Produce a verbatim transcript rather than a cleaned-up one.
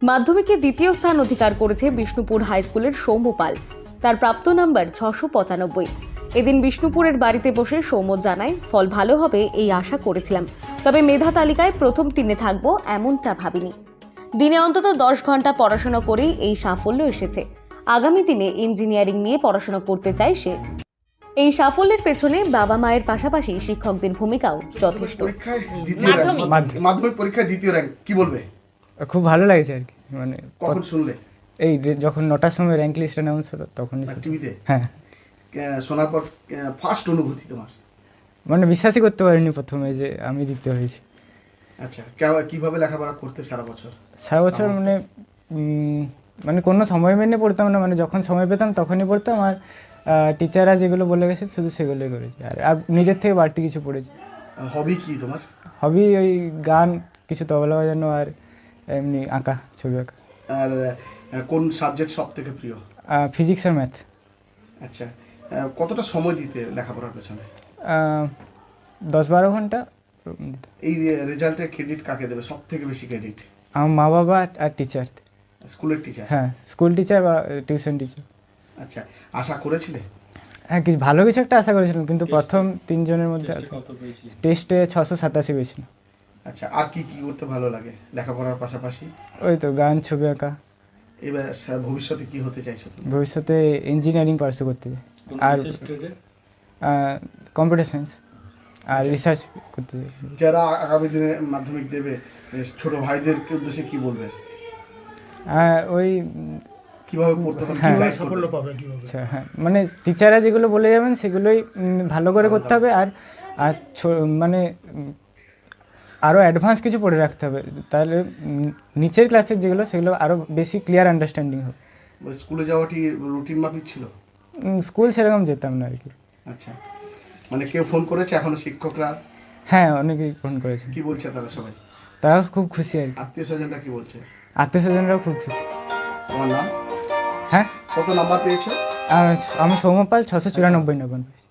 মাধ্যমিকে দ্বিতীয় স্থান অধিকার করেছে বিষ্ণুপুর হাই স্কুলের সৌম্য পাল। তার প্রাপ্ত নাম্বার ছশো পঁচানব্বই। এদিন বিষ্ণুপুরের বাড়িতে বসে সৌম্য জানায়, ফল ভালো হবে এই আশা করেছিলাম, তবে মেধা তালিকায় প্রথম তিনে থাকবো এমনটা ভাবিনি। দিনে অন্তত দশ ঘন্টা পড়াশোনা করেই এই সাফল্য এসেছে। আগামী দিনে ইঞ্জিনিয়ারিং নিয়ে পড়াশোনা করতে চায় সে। এই সাফল্যের পেছনে বাবা মায়ের পাশাপাশি শিক্ষকদের ভূমিকাও যথেষ্ট। মাধ্যমিক পরীক্ষায় দ্বিতীয় র্যাঙ্ক, কি বলবে? খুব ভালো লাগছে আর কি। মানে কখন শুনলে? এই যে- যখন নটার সময় র্যাঙ্ক লিস্ট অ্যানাউন্স হলো তখনই শুনলাম। টিভিতে? হ্যাঁ, কে- শোনার পর ফার্স্ট অনুভূতি তোমার? মানে বিশ্বাসই করতে পারিনি প্রথমে যে আমি দ্বিতীয় হয়েছি। আচ্ছা, কে- কিভাবে লেখাপড়া করতে সারা বছর? সারা বছর মানে উম, মানে কোনো সময় মেনে পড়তাম না, মানে যখন সময় পেতাম তখনই পড়তাম। আর টিচাররা যেগুলো বলে গেছে শুধু সেগুলোই করেছি, আর আর নিজের থেকে বাড়তি কিছু পড়েছি। হবি কি তোমার? হবি ওই গান, কিছু তবলা বাজানো, আর এমনি আঁকা, ছবি আঁকা। আর আহ, কোন সাবজেক্ট সব থেকে প্রিয়? ফিজিক্স আর ম্যাথ। আচ্ছা, আহ, কতটা সময় দিতে লেখাপড়ার পেছনে? দশ বারো ঘন্টা। এই রেজাল্টের ক্রেডিট কাকে দেবে সব থেকে বেশি ক্রেডিট? আমার মা বাবা আর টিচার। স্কুলের টিচার? হ্যাঁ, স্কুল টিচার বা টিউশন টিচার। আচ্ছা, আশা করেছিলে? হ্যাঁ, কিছু ভালো কিছু একটা আশা করেছিলাম, কিন্তু প্রথম তিনজনের মধ্যে টেস্টে ছশো সাতাশি পেয়েছিল। আচ্ছা, আর কি কি করতে ভালো লাগে লেখাপড়ার পাশাপাশি? ওই তো গান, ছবি আঁকা। এবার সা- ভবিষ্যতে কি হতে চাইছো তুমি? ভবিষ্যতে ইঞ্জিনিয়ারিং পার্সু করতে চাই, আর কম্পিউটার সায়েন্স আর রিসার্চ করতে চাই। যারা আগামী দিনে মাধ্যমিক দেবে, এ, ছোট ভাইদের উদ্দেশ্যে কি বলবে? হ্যাঁ, ওই উম, কিভাবে পড়তে হবে, হ্যাঁ। কিভাবে সাফল্য পাবে? আচ্ছা, হ্যাঁ, মানে টিচাররা যেগুলো বলে যাবেন সেগুলোই উম, ভালো করে করতে হবে। আর আর ছো- মানে উম, আরও অ্যাডভান্স কিছু পড়ে রাখতে হবে, তাহলে উম, নিচের ক্লাসের যেগুলো সেগুলো আরও বেশি ক্লিয়ার আন্ডারস্ট্যান্ডিং হবে। স্কুলে যাওয়াটি রুটিন মাফিক ছিল? উম, স্কুল সেরকম যেতাম না আর কি। আচ্ছা, মানে কেউ ফোন করেছে এখনো শিক্ষকরা? হ্যাঁ, অনেকেই ফোন করেছেন, কি বলছে তারা সবাই? তারাও খুব খুশি আর কি। আত্মীয় স্বজনরা কি বলছে? আত্মীয় স্বজনরাও খুব খুশি। তোমার নাম? হ্যাঁ, কত নাম্বার পেয়েছো? আর আমি সৌম্য পাল ছশো চুরানব্বই নম্বর পেয়েছি।